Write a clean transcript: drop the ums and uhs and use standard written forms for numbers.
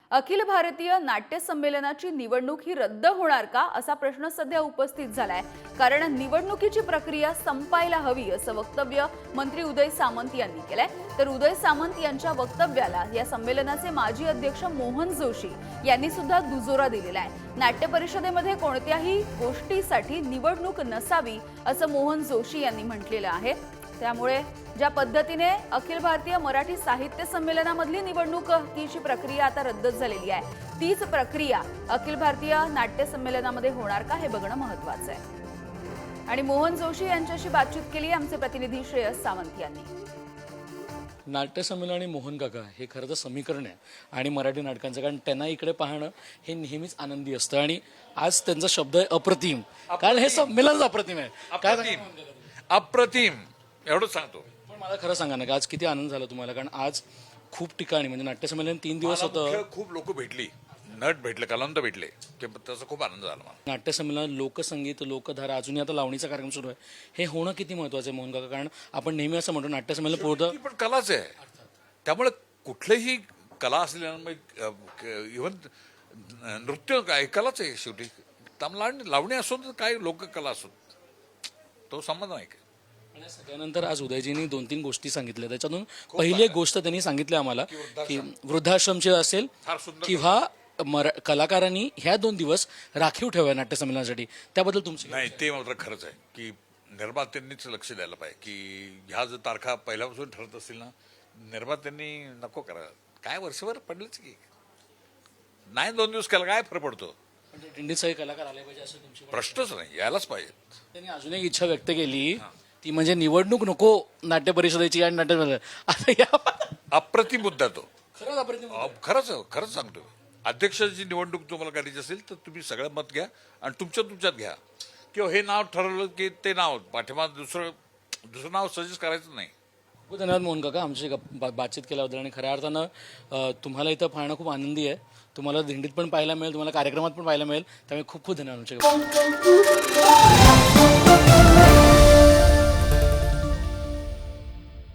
अखिल भारतीय नाट्य संमेलनाची निवडणूक ही रद्द होणार का असा प्रश्न सध्या उपस्थित झालाय। कारण निवडणुकीची प्रक्रिया संपायला हवी असं वक्तव्य मंत्री उदय सामंत यांनी केलंय। तर उदय सामंत यांच्या वक्तव्याला या संमेलनाचे माजी अध्यक्ष मोहन जोशी यांनी सुद्धा दुजोरा दिलेला आहे। नाट्य परिषदेमध्ये कोणत्याही गोष्टीसाठी निवडणूक नसावी असं मोहन जोशी यांनी म्हटलेलं आहे। त्यामुळे ज्या पद्धतीने अखिल भारतीय मराठी साहित्य संमेलनामधली निवडणुकीची प्रक्रिया आता रद्द झालेली आहे, तीच प्रक्रिया अखिल भारतीय नाट्य संमेलनामध्ये होणार का हे बघणं महत्त्वाचं आहे। आणि मोहन जोशी यांच्याशी बातचीत केली आमचे प्रतिनिधी श्रेयस सावंत यांनी। नाट्य संमेलन आणि मोहन काका हे खरं तर समीकरण आहे आणि मराठी नाटकांचं, कारण त्यांना इकडे पाहणं हे नेहमीच आनंदी असतं आणि आज त्यांचा शब्द आहे अप्रतिम, कारण हे संमेलनच अप्रतिम आहे। अप्रतिम एवढंच सांगतो। पण मला खरं सांगा ना, आज किती आनंद झाला तुम्हाला, कारण आज खूप ठिकाणी म्हणजे नाट्य संमेलन 3 दिवस होतं, खूप लोक भेटली, नट भेटले, कलावंत भेटले, त्याचा खूप आनंद झाला मला। नाट्य संमेलन, लोकसंगीत, लोकधारा, अजूनही आता लावणीचा कार्यक्रम सुरू आहे, हे होणं किती महत्वाचं आहे मोहन काका? कारण आपण नेहमी असं म्हणतो नाट्य संमेलन पूर्ण पण कलाच आहे, त्यामुळे कुठलीही कला असलेल्या इव्हन नृत्य काय कलाच आहे शेवटी। लावणी असो तर काय लोककला असो, तो संबंध नाही। सगळ्यानंतर आज उदयजींनी 2-3 गोष्टी सांगितल्या, त्याच्यातून पहिली एक गोष्ट त्यांनी सांगितली आम्हाला की वृद्धाश्रमचे असेल किंवा कलाकारांनी ह्या 2 दिवस राखीव ठेवा नाट्य संमेलनासाठी, त्याबद्दल तुमचं नाही ते मात्र खरंच आहे की निर्मात्यांनीच लक्ष द्यायला पाहिजे की ह्या जर तारखा पहिल्यापासून ठरत असतील ना, निर्मात्यांनी नको करा, काय वर्षभर पडलंच की नाही, 2 दिवस केला काय फरक पडतो? दिंडीत सगळे कलाकार आले पाहिजे असं तुमची प्रश्नच नाही, यायलाच पाहिजे। त्यांनी अजून एक इच्छा व्यक्त केली, ती म्हणजे निवडणूक नको नाट्य परिषदेची आणि नाट्य अप्रतिम मुद्दा तो, खरंच सांगतो। अध्यक्षाची निवडणूक तुम्हाला करायची असेल तर तुम्ही सगळं मत घ्या आणि तुमच्यात घ्या, किंवा हे नाव ठरवलं की ते नाव पाठीमाग दुसरं नाव सजेस्ट करायचं नाही। खूप धन्यवाद मोहन काका आमची बातचीत केल्याबद्दल। आणि खऱ्या अर्थानं तुम्हाला इथं पाहणं खूप आनंदी आहे, तुम्हाला दिंडीत पण पाहायला मिळेल, तुम्हाला कार्यक्रमात पण पाहायला मिळेल, त्यामुळे खूप खूप धन्यवाद आमचे।